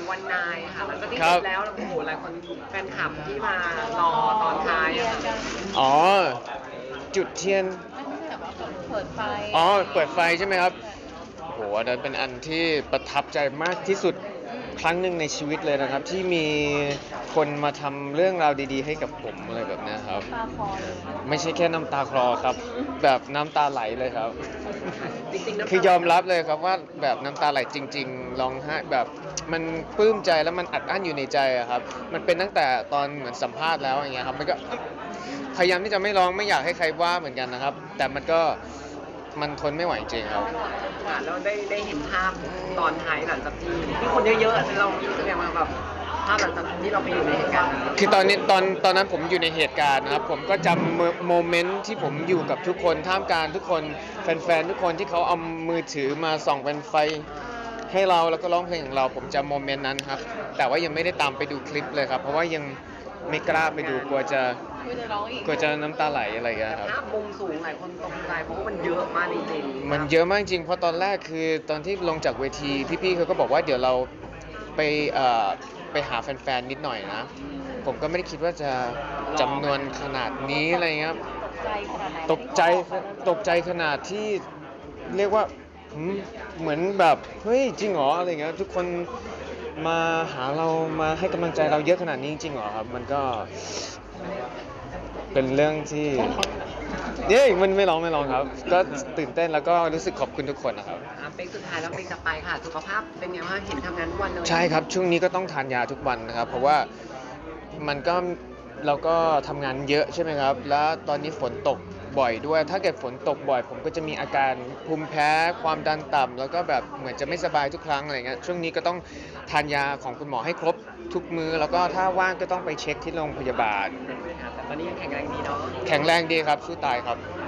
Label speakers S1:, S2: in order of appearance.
S1: วันนายค่ะหลังจากที่เสร็จแล้วโอ้โหหลายคนแฟนคลับที่มารอตอนท้ายอะค่ะ
S2: อ๋อจุดเทียน
S3: ไม่ใช่แบบว่าเปิดไฟ
S2: อ๋อเปิดไฟใช่ไหมครับโหอันนั้นเป็นอันที่ประทับใจมากที่สุดครั้งหนึ่งในชีวิตเลยนะครับที่มีคนมาทำเรื่องราวดีๆให้กับผมอะไรแบบนี้ครับ
S3: ตาคอเลย
S2: ไม่ใช่แค่น้ำตาคลอครับแบบน้ำตาไหลเลยครับ
S1: จริงๆน้ำ
S2: คื
S1: ตา
S2: อยอมรับเลยครับว่าแบบน้ำตาไหลจริงๆร้องไห้แบบมันปลื้มใจแล้วมันอัดอั้นอยู่ในใจอะครับมันเป็นตั้งแต่ตอนเหมือนสัมภาษณ์แล้วอย่างเงี้ยครับมันก็พยายามที่จะไม่ร้องไม่อยากให้ใครว่าเหมือนกันนะครับแต่มันก็มันทนไม่ไหวจริงครับ
S1: ค่ะแล้วได้เห็นภาพตอนท้ายหลังจากที่คนเยอะๆเรารู้สึกยังไงแบบภาพหลังจากที่เราไปอยู่ในเหตุการณ์นั้น
S2: คือตอนนั้นผมอยู่ในเหตุการณ์นะครับผมก็จำโมเมนต์ที่ผมอยู่กับทุกคนท่ามกลางทุกคนแฟนๆทุกคนที่เขาเอามือถือมาส่องเป็นไฟให้เราแล้วก็ร้องเพลงของเราผมจำโมเมนต์นั้นครับแต่ว่ายังไม่ได้ตามไปดูคลิปเลยครับเพราะว่ายังไม่กล้าไปดูกลัวจะ
S3: ร้องอีก
S2: น้ำตาไหลอะไรอย่างเงี้ยครับ
S1: ภาพมุมสูงหลายคนตกใจเพราะว่ามันเยอะมากจริงๆ
S2: มันเยอะมากจริงเพราะตอนแรกคือตอนที่ลงจากเวทีพี่ๆเขาก็บอกว่าเดี๋ยวเราไปไปหาแฟนๆนิดหน่อยนะผมก็ไม่ได้คิดว่าจะจำนวนขนาดนี้อะไรเงี้ย
S3: ใจขนาดไหน
S2: ตกใจตกใจขนาดที่เรียกว่าเหมือนแบบเฮ้ยจริงเหรออะไรเงี้ยทุกคนมาหาเรามาให้กำลังใจเราเยอะขนาดนี้จริงเหรอครับมันก็เป็นเรื่องที่มันไม่ร้องครับก็ตื่นเต้นแล้วก็รู้สึกขอบคุณทุกคนนะครับ
S1: เป็นสุดท้ายแล้วเป็นจะไปค่ะสุขภาพเป็นไงบ้างเห็นทำงานทุกวันเลย
S2: ใช่ครับช่วงนี้ก็ต้องทานยาทุกวันนะครับเพราะว่ามันก็เราก็ทำงานเยอะใช่ไหมครับแล้วตอนนี้ฝนตกบ่อยด้วยถ้าเกิดฝนตกบ่อยผมก็จะมีอาการภูมิแพ้ความดันต่ำแล้วก็แบบเหมือนจะไม่สบายทุกครั้งอะไรเงี้ยช่วงนี้ก็ต้องทานยาของคุณหมอให้ครบทุกมื้อแล้วก็ถ้าว่างก็ต้องไปเช็คที่โรงพยาบาล
S1: แต่ตอนนี้ยังแข็งแรงดีเนาะ
S2: แข็งแรงดีครับสู้ตายครับ